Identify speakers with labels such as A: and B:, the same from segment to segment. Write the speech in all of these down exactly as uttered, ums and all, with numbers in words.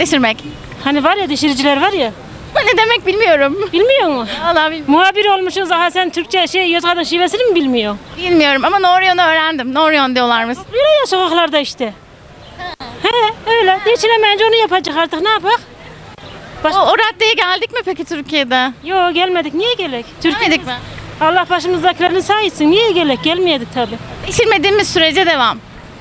A: Deşirmek.
B: Hani var ya dişiriciler var ya.
A: Bu ne demek bilmiyorum.
B: Bilmiyor musun?
A: Vallahi bilmiyorum.
B: Muhabir olmuşsun daha sen Türkçe şey Yozgat'ın şivesini mi bilmiyor?
A: Bilmiyorum ama Norion'u öğrendim. Norion diyorlarmış.
B: Böyle ya sokaklarda işte. He öyle. Geçinemeyince onu yapacak artık ne yapak? Baş...
A: O, o raddeye geldik mi peki Türkiye'de?
B: Yo gelmedik. Niye gelek? Türkiye.
A: Gelmedik mi?
B: Allah başımızdakilerini sayısın. Niye gelek? Gelmeyedik tabii.
A: Deşirmediğimiz sürece devam.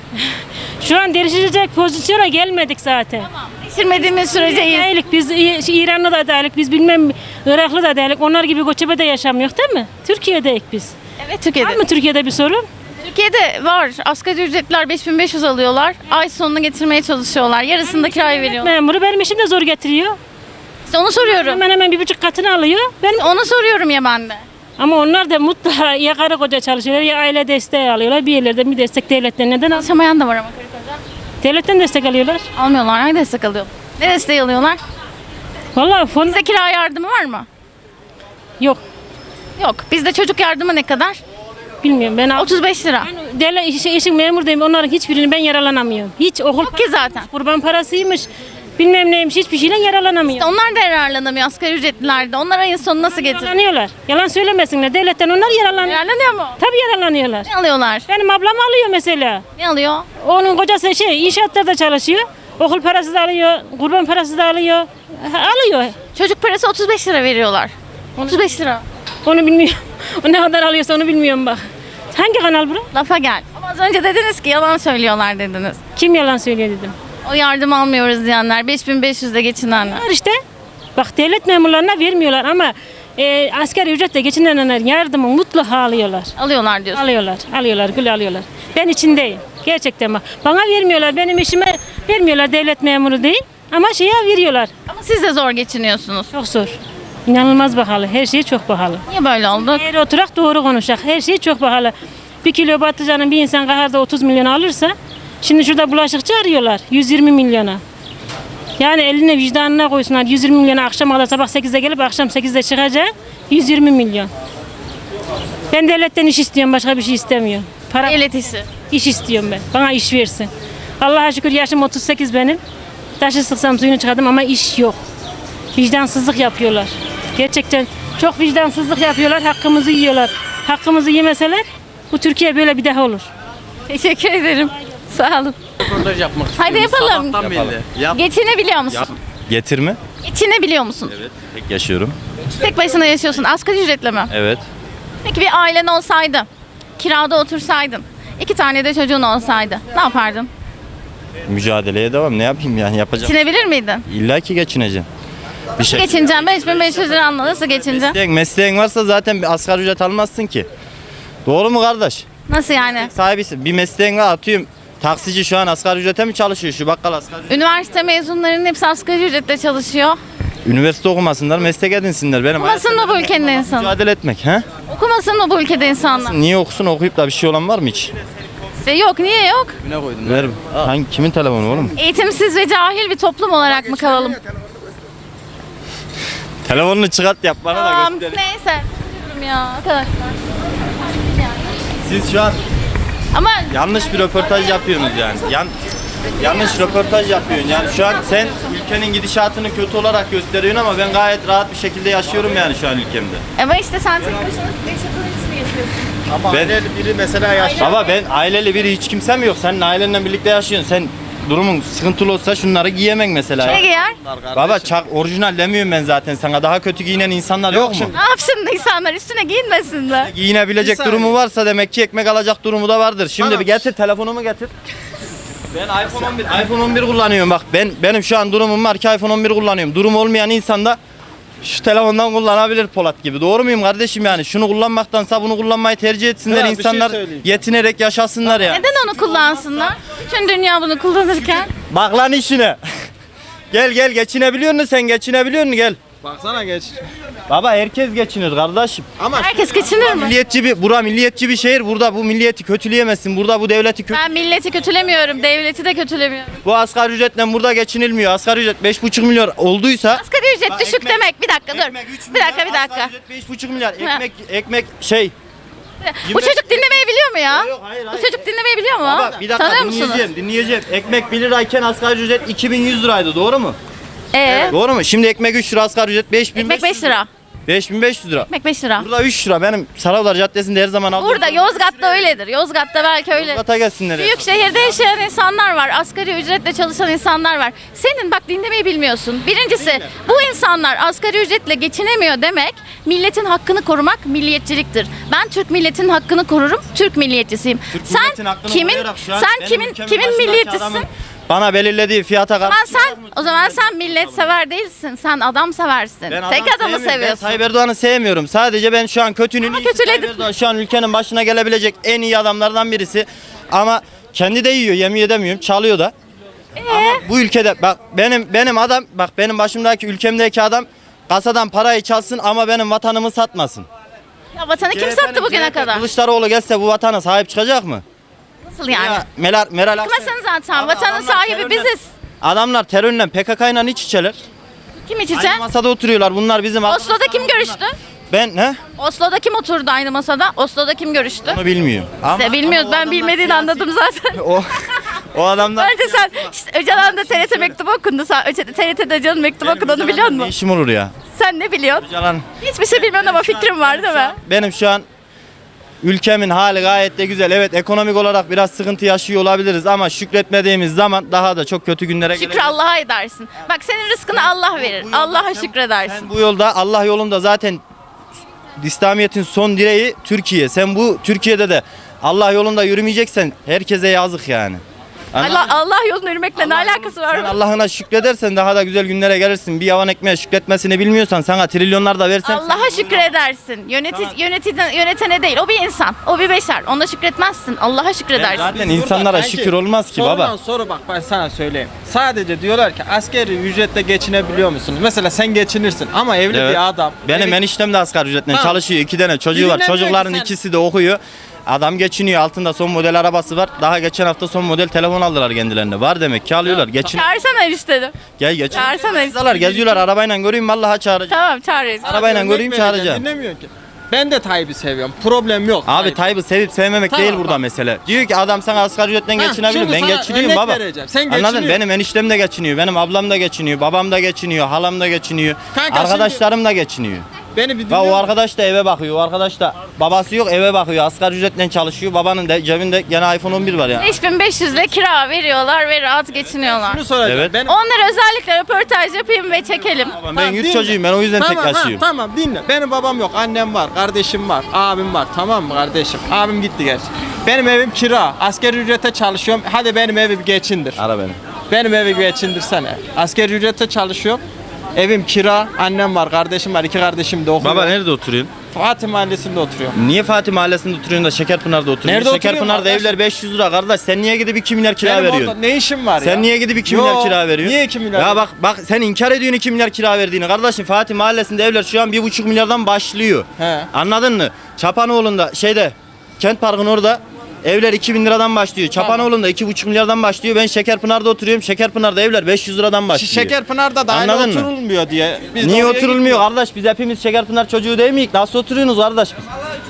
B: Şu an değişecek pozisyona gelmedik zaten.
A: Deşirmediğimiz sürece iyiyiz.
B: Değilik biz İ- İranlı da değilik, biz bilmem Iraklı da değilik. Onlar gibi göçebe yaşamıyor değil mi? Türkiye'deyiz biz.
A: Evet
B: Var
A: Türkiye'de.
B: mı Türkiye'de bir sorun?
A: Türkiye'de var. Asgari ücretliler beş bin beş yüz alıyorlar. Ay sonunu getirmeye çalışıyorlar. Yarısını da kiraya veriyorlar.
B: Memuru benim eşim de zor getiriyor.
A: İşte onu soruyorum.
B: Hemen hemen bir buçuk katını alıyor. Ben
A: Onu soruyorum ya ben de.
B: ama onlar da mutlaka ya karı koca çalışıyorlar ya aile desteği alıyorlar. Bir yerlerde bir destek devletten neden al?
A: Çalışamayan da var ama karı koca.
B: Devletten destek alıyorlar.
A: Almıyorlar. Hangi destek alıyor? Ne desteği alıyorlar?
B: Vallahi fon
A: Bizde kira yardımı var mı?
B: yok.
A: Yok. Bizde çocuk yardımı ne kadar?
B: Bilmiyorum ben al-
A: otuz beş lira.
B: Ben devlet işi, işin memurdayım. Onların hiçbirini ben yararlanamıyorum. Hiç okul
A: Yok ki zaten.
B: kurban parasıymış. Bilmem neymiş hiçbir şeyle yararlanamıyorum.
A: Onlar da yararlanamıyor asgari ücretliler de. Onlar ayın sonu nasıl getirir?
B: Yararlanıyorlar. Yalan söylemesinler. Devletten onlar yararlanıyor.
A: Yararlanıyor mu?
B: Tabii yararlanıyorlar.
A: Ne alıyorlar?
B: Benim ablam alıyor mesela.
A: Ne alıyor?
B: Onun kocası şey inşaatlarda çalışıyor. Okul parası da alıyor, kurban parası da alıyor. Ha, Alıyor.
A: Çocuk parası otuz beş lira veriyorlar. otuz beş lira.
B: Onu bilmiyorum. O ne kadar alıyorsa onu bilmiyorum bak. Hangi kanal bura?
A: Lafa gel. Ama az önce dediniz ki yalan söylüyorlar dediniz.
B: Kim yalan söylüyor dedim.
A: O yardım almıyoruz diyenler, beş bin beş yüzle geçinenler.
B: Var işte. Bak devlet memurlarına vermiyorlar ama e, asgari ücretle geçinenler yardımı mutlaka alıyorlar.
A: Alıyorlar diyorsun.
B: Alıyorlar, alıyorlar, gül alıyorlar. Ben içindeyim. Gerçekten bak. Bana vermiyorlar, benim işime vermiyorlar devlet memuru değil. Ama şeye veriyorlar.
A: Ama siz de zor geçiniyorsunuz.
B: Çok zor. İnanılmaz pahalı. Her şey çok pahalı.
A: Niye böyle oldu?
B: Eğer oturak doğru konuşak. Her şey çok pahalı. Bir kilo patlıcanın bir insan kaharda otuz milyon alırsa şimdi şurada bulaşıkçı arıyorlar yüz yirmi milyona. Yani eline vicdanına koysunlar yüz yirmi milyona akşam kadar sabah sekizde gelip akşam sekizde çıkacak yüz yirmi milyon. Ben devletten iş istiyorum başka bir şey istemiyorum. Para,
A: Devlet işi.
B: iş istiyorum ben. Bana iş versin. Allah'a şükür yaşım otuz sekiz benim. Taşı sıksam suyunu çıkardım ama iş yok. Vicdansızlık yapıyorlar. Gerçekten çok vicdansızlık yapıyorlar. Hakkımızı yiyorlar. Hakkımızı yemeseler bu Türkiye böyle bir daha olur.
A: Teşekkür ederim. Sağ olun.
C: Röportaj yapmak
A: Hadi
C: istiyorum.
A: yapalım.
C: Sabahtan belli. Yap.
A: Geçinebiliyor musun?
C: Yap. Getirme.
A: Geçinebiliyor musun?
C: Evet. Tek yaşıyorum.
A: Tek başına yaşıyorsun. Asgari ücretle mi?
C: Evet.
A: Peki bir ailen olsaydı, kirada otursaydın, iki tane de çocuğun olsaydı ne yapardın?
C: Mücadeleye devam. Ne yapayım yani yapacağım.
A: Geçinebilir miydin?
C: İlla ki geçineceğim. Bir şey.
A: Geçineceğim. beş bin beş yüz lira nasıl geçineceğim?
C: Mesleğin, mesleğin varsa zaten bir asgari ücret almazsın ki. Doğru mu kardeş?
A: Nasıl yani?
C: Sahibisin. Bir mesleğin var atıyorum. Taksici şu an asgari ücrete mi çalışıyor? Şu bakkal asgari ücret.
A: Üniversite mezunlarının hepsi asgari ücretle çalışıyor.
C: Üniversite okumasınlar, meslek edinsinler. Benim
A: Okumasın mı bu ülkenin insanı?
C: mücadele etmek. He?
A: Okumasın mı bu ülkede insanlar?
C: Niye okusun okuyup da bir şey olan var mı hiç?
A: İşte yok, niye yok?
C: Ver. Hangi, kimin telefonu oğlum?
A: Eğitimsiz ve cahil bir toplum olarak mı kalalım?
C: Telefonunu çıkart yap bana
A: Tamam,
C: da göster.
A: neyse. Üzülürüm ya arkadaşlar.
C: Siz şu an
A: Ama
C: yanlış bir röportaj yapıyorsunuz yani. Yan, yanlış röportaj yapıyorsun. Yani şu an sen ülkenin gidişatını kötü olarak gösteriyorsun ama ben gayet rahat bir şekilde yaşıyorum yani şu an ülkemde.
A: ama işte sen tek başına yaşadığın için mi yaşıyorsun?
D: Ama
C: Ben-
D: aileli biri mesela yaşlı.
C: Baba ben aileli biri hiç kimsem yok. Senin ailenle birlikte yaşıyorsun. Sen durumun sıkıntılı olsa şunları giyemek mesela.
A: Ne giyer?
C: Baba çak orijinal demiyorum ben zaten sana. Daha kötü giyinen insanlar yok, mu?
A: Ne yapsın insanlar üstüne giyinmesinler?
C: Giyinebilecek
D: Bir saniye.
C: durumu varsa demek ki ekmek alacak durumu da vardır. Şimdi
D: Tamam.
C: bir getir telefonumu getir. Ben iPhone on bir iPhone on bir kullanıyorum bak. Ben benim şu an durumum var ki iPhone on bir kullanıyorum. Durum olmayan insan da şu telefondan kullanabilir Polat gibi. Doğru muyum kardeşim yani? Şunu kullanmaktansa bunu kullanmayı tercih etsinler
D: Ya, bir şey
C: insanlar.
D: söyleyeyim.
C: Yetinerek yaşasınlar ya.
A: Neden onu kullansınlar? Bütün dünya bunu kullanırken.
C: Bak lan işine. Gel gel geçinebiliyor musun sen? Geçinebiliyor musun? Gel.
D: Baksana geç.
C: Baba herkes geçinir kardeşim.
D: Ama
A: Herkes geçinir mi?
C: Milliyetçi bir, bura milliyetçi bir şehir. Burada bu milliyeti kötüleyemezsin. Burada bu devleti kötü.
A: Ben milleti kötülemiyorum, devleti de kötülemiyorum.
C: Bu asgari ücretle burada geçinilmiyor. Asgari ücret beş buçuk milyar olduysa.
A: Asgari ücret
C: Bak,
A: düşük
C: ekmek-
A: demek. Bir dakika dur.
C: Ekmek üç
A: Bir dakika bir
C: milyar,
A: dakika.
C: asgari ücret beş buçuk milyar.
A: Ha.
C: Ekmek ekmek şey.
A: Bu
C: Yemek-
A: çocuk dinlemeyi biliyor mu ya?
C: Yok, hayır,
A: Bu
C: hayır.
A: çocuk dinlemeyi biliyor mu?
C: Baba bir dakika
A: Tanıyor musunuz?
C: dinleyeceğim, dinleyeceğim. Ekmek bir lirayken asgari ücret iki bin yüz liraydı doğru mu?
A: Ee,
C: Doğru mu? Şimdi ekmek üç lira, asgari ücret beş bin
A: ekmek beş lira.
C: beş bin beş yüz lira.
A: Ekmek beş lira.
C: Burada üç lira. Benim Saraylar Caddesi'nde her zaman aldığım.
A: Burada Yozgat'ta öyledir. Yozgat'ta belki öyle.
C: Yozgat'a gelsinler. ya.
A: Büyük şehirde yaşayan insanlar var. Asgari ücretle çalışan insanlar var. Senin bak dinlemeyi bilmiyorsun. Birincisi bu insanlar asgari ücretle geçinemiyor demek milletin hakkını korumak milliyetçiliktir. Ben Türk milletinin hakkını korurum. Türk milliyetçisiyim.
C: Türk
A: Sen
C: milletin hakkını
A: kimin
C: koruyarak şu an
A: sen
C: benim
A: kimin
C: ülkemin
A: kimin
C: başındaki
A: milliyetçisin?
C: adamın Bana belirlediği fiyata
A: O zaman
C: karşı.
A: sen o zaman sen millet sever değilsin. Sen adam seversin.
C: Ben
A: Tek
C: adam
A: adamı
C: sevmiyorum. Ben
A: seviyorsun.
C: Tayyip Erdoğan'ı sevmiyorum. Sadece ben şu an kötünün
A: Ama
C: iyisi.
A: kötüledin.
C: Tayyip Erdoğan şu an ülkenin başına gelebilecek en iyi adamlardan birisi. Ama kendi de yiyor, yemin edemiyorum. Çalıyor da. Ama bu ülkede bak benim benim adam bak benim başımdaki ülkemdeki adam kasadan parayı çalsın ama benim vatanımı satmasın.
A: Ya vatanı kim
C: C H P'nin
A: sattı bugüne
C: C H P
A: kadar?
C: Kılıçdaroğlu gelse bu vatana sahip çıkacak mı?
A: Nasıl yani?
C: Ya Meral Meral Akşener-
A: Çıkmasın zaten.
C: Abi
A: Vatanın
C: adamlar
A: sahibi
C: terörle-
A: biziz.
C: Adamlar terörle P K K'yla iç içeler.
A: Kim iç içe?
C: Aynı masada oturuyorlar. Bunlar bizim
A: Oslo'da kim görüştü?
C: Ben ne?
A: Oslo'da kim oturdu aynı masada? Oslo'da kim görüştü?
C: Onu bilmiyorum. Ama,
A: İşte bilmiyoruz.
C: ama o
A: Ben
C: adamlar
A: bilmediğini
C: siyasi-
A: anladım zaten.
C: O o adamlar
A: Bence sen işte Öcalan'da T R T mektubu okundu. Sen Öca- T R T'de Öcalan'ın mektubu
C: Benim
A: okunduğunu biliyor
C: Öcalan'dan Ne
A: musun?
C: işim olur ya?
A: Sen ne biliyorsun?
C: Öcalan.
A: Hiçbir şey bilmiyorsun ama fikrim var değil mi?
C: Benim şu an ülkemin hali gayet de güzel. Evet ekonomik olarak biraz sıkıntı yaşıyor olabiliriz ama şükretmediğimiz zaman daha da çok kötü günlere
A: Şükür
C: geleceğiz.
A: Allah'a edersin. Bak senin rızkını Allah verir.
C: Bu yolda
A: Allah'a
C: sen-
A: şükredersin.
C: Sen bu yolda Allah yolunda zaten İslamiyet'in son direği Türkiye. Sen bu Türkiye'de de Allah yolunda yürümeyeceksen herkese yazık yani. Anladın
A: Allah,
C: mı?
A: Allah yoluna yürümekle ne alakası var?
C: Sen
A: mı?
C: Allah'ına şükredersen daha da güzel günlere gelirsin. Bir yavan ekmeğe şükretmesini bilmiyorsan sana trilyonlar da versem
A: Allah'a şükredersin. Yönetici, yönetici, yönetene değil. O bir insan. O bir beşer. Ona şükretmezsin. Allah'a şükredersin.
C: zaten
E: Biz
C: insanlara
E: burada
C: şükür
E: bence
C: olmaz ki
E: sorudan
C: baba.
E: soru bak ben sana söyleyeyim. Sadece diyorlar ki asgari ücretle geçinebiliyor musunuz? Mesela sen geçinirsin ama evli
C: Evet.
E: bir adam.
C: Benim
E: evi-
C: eniştem de asgari ücretle
E: Tamam.
C: çalışıyor. İki tane çocuğu var.
E: Dinlemiyor ki
C: Çocukların
E: sen.
C: ikisi de okuyor. Adam geçiniyor. Altında son model arabası var. Daha geçen hafta son model telefon aldılar kendilerine. Var demek ki alıyorlar. Geçin.
A: Çağırsana işte.
C: Gel geçin.
A: Çağırsana.
C: Geziyorlar, geziyorlar arabayla göreyim vallahi çağıracağım.
A: Tamam çağırırız.
C: Arabayla
E: Örnek
C: göreyim
E: vereceğim,
C: çağıracağım.
E: Dinlemiyor ki. Ben de Tayyip'i seviyorum. Problem yok.
C: Abi
E: Tayyip.
C: Tayyip'i sevip sevmemek
E: Tamam,
C: değil burada
E: bak.
C: mesele. Diyor ki adam sana asgari ücretle
E: Ha,
C: geçinebilir.
E: şimdi
C: Ben
E: sana
C: geçiniyorum
E: örnek
C: baba.
E: vereceğim. Sen
C: Anladın?
E: geçiniyorsun.
C: Benim eniştem de geçiniyor. Benim ablam da geçiniyor. Babam da geçiniyor. Halam da geçiniyor.
E: Kanka
C: Arkadaşlarım da geçiniyor.
E: Beni bir
C: Bak
E: dinliyor
C: o
E: musun?
C: arkadaş da eve bakıyor. O arkadaş da babası yok eve bakıyor. Asgari ücretle çalışıyor. Babanın da cebinde gene iPhone on bir var ya.
A: beş bin beş yüz ile kira veriyorlar ve rahat geçiniyorlar.
E: Şunu soracağım.
C: Evet.
E: Benim-
A: Onlara özellikle röportaj yapayım ve çekelim.
C: Ben
E: Tamam,
C: yurt
E: dinle.
C: çocuğuyum. Ben o yüzden
E: tamam,
C: tek
E: ha,
C: yaşıyorum.
E: Tamam dinle. Benim babam yok. Annem var. Kardeşim var. Abim var. Tamam mı kardeşim? Abim gitti gerçi. Benim evim kira. Asgari ücrete çalışıyorum. Hadi benim evi bir geçindir.
C: Ara beni.
E: Benim evi bir geçindirsene. Asgari ücrete çalışıyorum. Evim kira. Annem var. Kardeşim var. İki kardeşim de okuyor.
C: Baba nerede oturuyorsun?
E: Fatih Mahallesi'nde oturuyorum.
C: Niye Fatih Mahallesi'nde oturuyorsun da Şekerpınar'da oturuyorsun?
E: Nerede oturuyorum
C: Şekerpınar'da
E: kardeş?
C: evler beş yüz lira kardeş. Sen niye gidip iki milyar kira
E: Benim
C: veriyorsun?
E: orada ne işim var ya?
C: Sen niye gidip iki
E: Yo,
C: milyar kira veriyorsun?
E: Niye iki milyar?
C: Ya bak bak sen inkar ediyorsun iki milyar kira verdiğini. Kardeşim Fatih Mahallesi'nde evler şu an bir buçuk milyardan başlıyor.
E: He.
C: Anladın mı? Çapanoğlu'nda şeyde Kent Park'ın orada evler iki bin liradan başlıyor. Çapanoğlu'nda iki buçuk milyardan başlıyor. Ben Şekerpınar'da oturuyorum. Şekerpınar'da evler beş yüz liradan başlıyor.
E: Şekerpınar'da da aynı
C: Anladın mı?
E: oturulmuyor diye. Biz de
C: Niye
E: oraya
C: oturulmuyor
E: gitmiyoruz.
C: kardeş? Biz hepimiz Şekerpınar çocuğu değil miyiz? Nasıl oturuyorsunuz kardeş biz?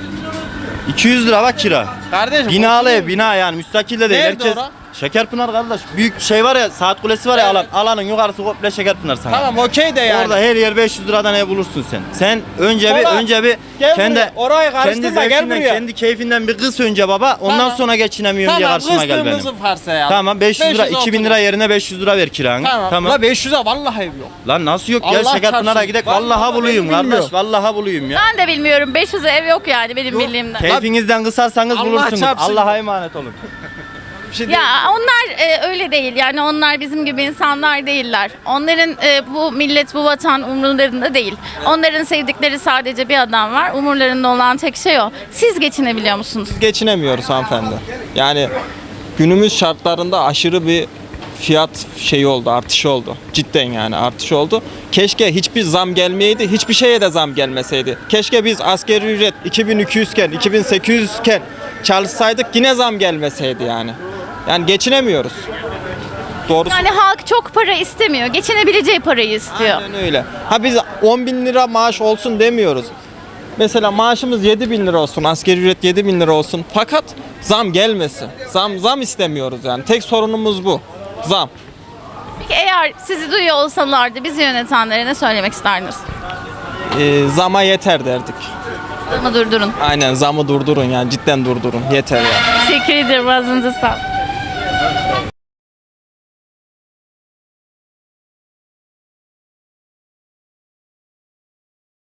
C: iki yüz lira bak kira.
E: Kardeşim
C: Binalı
E: oturuyor.
C: ev, bina yani müstakil de değil.
E: Nerede
C: Herkes
E: ora?
C: Şekerpınar kardeş. Büyük şey var ya, saat kulesi var ya
E: Evet.
C: alan. Alanın yukarısı komple Şekerpınar sana.
E: Tamam okey de yani.
C: Orada her yer beş yüz liradan ev bulursun sen. Sen önce bir
E: Polat,
C: önce bir
E: gel
C: kendi
E: buraya. Orayı
C: kendi
E: karıştırma, gel
C: zevkinden,
E: buraya.
C: kendi keyfinden bir kız önce baba. Ondan
E: Tamam.
C: sonra geçinemiyorum diye
E: Tamam
C: karşıma gel benim.
E: kızdığımızı varsayalım.
C: Tamam beş yüz lira iki bin lira yerine beş yüz lira ver kiranı.
E: Tamam.
C: Tamam.
E: La beş yüze vallahi ev yok.
C: Lan nasıl yok? Gel
E: Allah
C: Şekerpınar'a
E: çarpsın.
C: gidelim.
E: Vallahi
C: Vallahi
E: ben
C: buluyum
E: bilmiyorum.
C: kardeş. Vallahi buluyum ya.
A: Ben de bilmiyorum. beş yüze ev yok yani benim bildiğimden.
C: Keyfinizden kısarsanız
E: Allah
C: bulursunuz.
E: çarpsın.
C: Allah'a emanet olun.
E: Bir şey
A: Ya onlar e, öyle değil yani onlar bizim gibi insanlar değiller. Onların e, bu millet bu vatan umurlarında değil. Onların sevdikleri sadece bir adam var. Umurlarında olan tek şey o. Siz geçinebiliyor musunuz?
E: geçinemiyoruz hanımefendi. Yani günümüz şartlarında aşırı bir fiyat şeyi oldu, artış oldu. Cidden yani artış oldu. Keşke hiçbir zam gelmeyeydi, hiçbir şeye de zam gelmeseydi. Keşke biz asgari ücret iki bin iki yüz iken, iki bin sekiz yüz iken çalışsaydık yine zam gelmeseydi yani. Yani geçinemiyoruz. Doğrusu.
A: Yani halk çok para istemiyor. Geçinebileceği parayı istiyor.
E: Aynen öyle. Ha biz on bin lira maaş olsun demiyoruz. Mesela maaşımız yedi bin lira olsun, asgari ücret yedi bin lira olsun. Fakat zam gelmesin. Zam zam istemiyoruz yani. Tek sorunumuz bu. Zam.
A: Peki eğer sizi duyuyor olsalardı bizi yönetenlere ne söylemek isterdiniz?
E: Ee, zama yeter derdik.
A: Bunu durdurun.
E: Aynen zamı durdurun yani cidden durdurun yeter yani.
A: Teşekkür ederim. Ağzınıza sağlık.